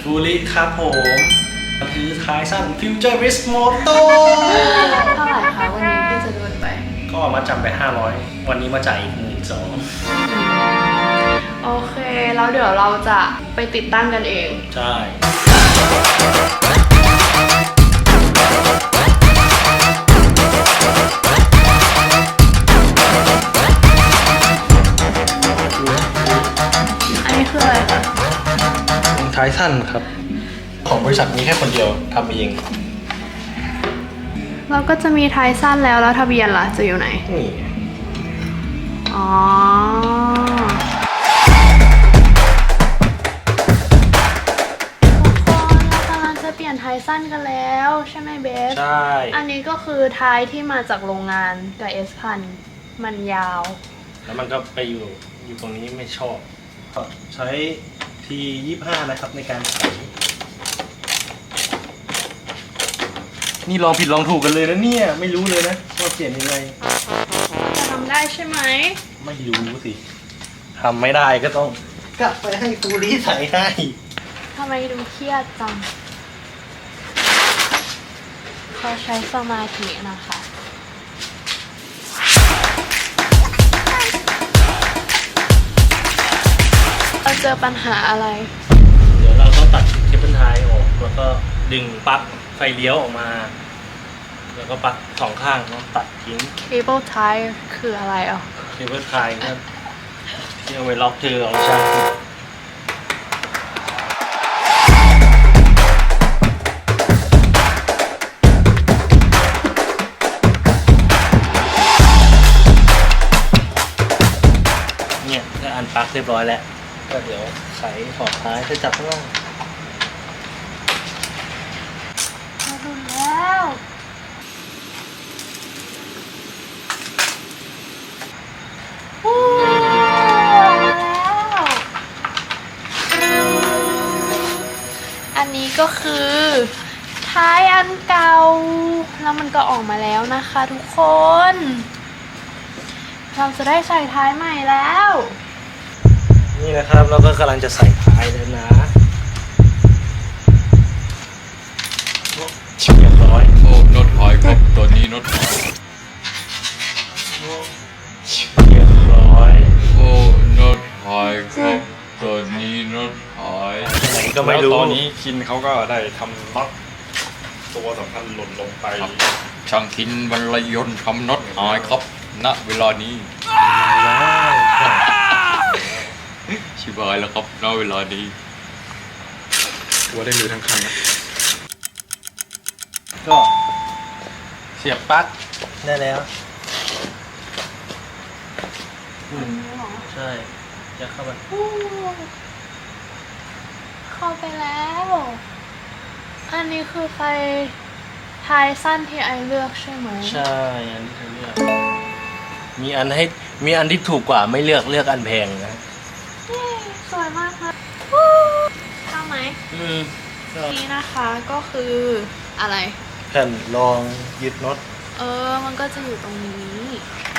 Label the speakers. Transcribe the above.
Speaker 1: ทูริครับผมมันคือท้ายสั้น Futurist Moto
Speaker 2: เท่าไหร่คะวันนี้พี่จะโดนไป
Speaker 1: ก็มาจำไป500วันนี้มาจ่ายอีก12,000
Speaker 2: โอเคแล้วเดี๋ยวเราจะไปติดตั้งกันเอง
Speaker 1: ใช่
Speaker 2: อันนี้คืออะไรคะ
Speaker 1: ท้ายสั้นครับของบริษัทมีแค่คนเดียวทำเอง
Speaker 2: เราก็จะมีท้ายสั้นแล้วทะเบียนล่ะจะอยู่ไหน
Speaker 1: นี่
Speaker 2: อ๋อทุกคนเรากำลังจะเปลี่ยนท้ายสั้นกันแล้วใช่ไหมเบส
Speaker 1: ใช่
Speaker 2: อันนี้ก็คือท้ายที่มาจากโรงงานกับ S1000 มันยาว
Speaker 1: แล้วมันก็ไปอยู่ตรงนี้ไม่ชอบก็ใช้ที25นะครับในการใส่นี่ลองผิดลองถูกกันเลยนะเนี่ยไม่รู้เลยนะว่าเปลี่ยนยังไง
Speaker 2: จะทำได้ใช่ไหม
Speaker 1: ไม่รู้สิทำไม่ได้ก็ต้องกลับไปให้ตูรีใส่ให้
Speaker 2: ทำไมดูเครียดจังเขาใช้สมาธินะคะเราเจอปัญหาอะไร
Speaker 1: เดี๋ยวเราต้องตัดเคเบิลไทออกแล้วก็ดึงปลั๊กไฟเลี้ยวออกมาแล้วก็ปลั๊กสองข้างต้องตัดทิ้ง
Speaker 2: cable tie คืออะไรอ่ะ
Speaker 1: เคเบิลไทก็ที่เอาไว้ล็อกเธอเอาใช่เนี่ยก็อันปลั๊กเรียบร้อยแล้วก็เดี๋ยวไขถอดท้ายจะจับข้างล่าง
Speaker 2: มาดูแล้วโอ้มาแล้วอันนี้ก็คือท้ายอันเก่าแล้วมันก็ออกมาแล้วนะคะทุกคนเราจะได้ใส่ท้ายใหม่แล้ว
Speaker 1: นี่นะครับเราก็กำลังจะใส่ท้ายแล้วนะเรียบร้อย
Speaker 3: โอ้น็อตหายครับตัวนี้น็อตหาย
Speaker 1: เรียบร้อย
Speaker 3: โอ้น็อตหายครับตัวนี้น็อตหาย
Speaker 1: ก็ไม่รู้
Speaker 4: ตอนนี้คินเขาก็ได้ทำน็อตตัวสำคัญหล่นลงไป
Speaker 3: ช่างคินบรรลัยยนต์ทำน็อตหายครับณเวลานี้ชิบหายแล้วครับณเวลานี้
Speaker 4: ตัวได้มือทั้งคันนะ
Speaker 1: ก็เสียบปลั๊กได้แล้วใช่จะเข้าไป
Speaker 2: เข้าไปแล้วอันนี้คือไฟท้ายสั้นที่ไอเลือกใช่ไหม
Speaker 1: ใช่อันที่เธอเลือกมีอันที่ถูกกว่าไม่เลือกอันแพงนะ
Speaker 2: สวยมากค่ะเข้าไหมนี่นะคะก็คืออะไร
Speaker 1: แผ่นรองยึดน็อต
Speaker 2: มันก็จะอยู่ตรงนี้